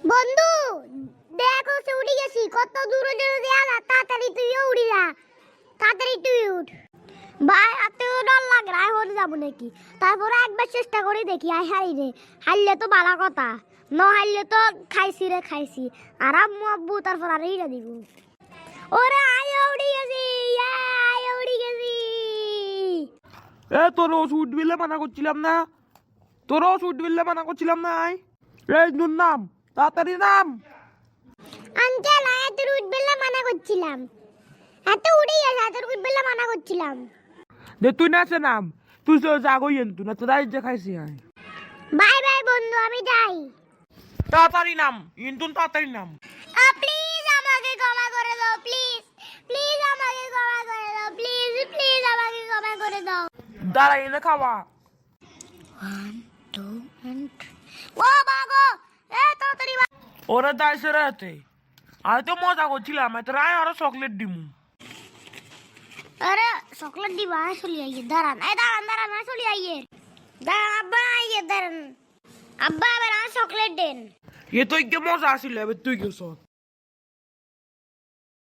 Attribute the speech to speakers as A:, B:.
A: বন্ধু দেখো সে উড়ে গেছি, কত দূরে দূরে দেয়া, তাড়াতাড়ি তুইও উড়ি যা, তাড়াতাড়ি তুই উঠ। ভাই এত ডর লাগে না, হয়ে যাবো নাকি? তারপরে একবার চেষ্টা করে দেখি, আই হারি রে, হারলে তো ভালো কথা, ন হারলে তো খাইছি রে খাইছি। আর আম্মু আব্বু তারপর আর ইরা দিব। ওরে আয় উড়ে গেছি, আয় উড়ে গেছি।
B: তোর ওষুধ বিলে মানা করছিলাম না, তোর ওষুধ বিলে মানা করছিলাম না। এই নুন নাম, তাড়াতাড়ি নাম।
A: আঙ্কেল এত উঠবেলা মানা করছিলাম, এত উড়ে গেছে, এত উঠবেলা মানা করছিলাম।
B: যে তুই নাচে নাম, তুই তো জাগই এনতু না, তোর যে খাইছি আয়।
A: বাই বাই বন্ধু, আমি যাই।
B: তাড়াতাড়ি নাম, ইন্তুন তাড়াতাড়ি নাম।
A: প্লিজ আমাকে ক্ষমা করে দাও, প্লিজ প্লিজ আমাকে ক্ষমা করে দাও, প্লিজ প্লিজ আমাকে ক্ষমা করে দাও।
B: দাঁড়া এনে খাওয়া।
A: 1 2 and 3 ও বাগো, তাড়াতাড়ি
B: ওরা দাইছে রাতে, আমি তো মজা করছিলাম, তোর আয় আরো চকলেট দিমু।
A: আরে চকলেট দিবা, চলে আইয়ে দাঁড়ান, দাঁড়ান চলে আইয়ে দাঁড়ান, আব্বা আইয়ে দাঁড়ান, আব্বা এবার চকলেট দেন।
B: এ তো মজা আসিল, এবার তুই গেছ।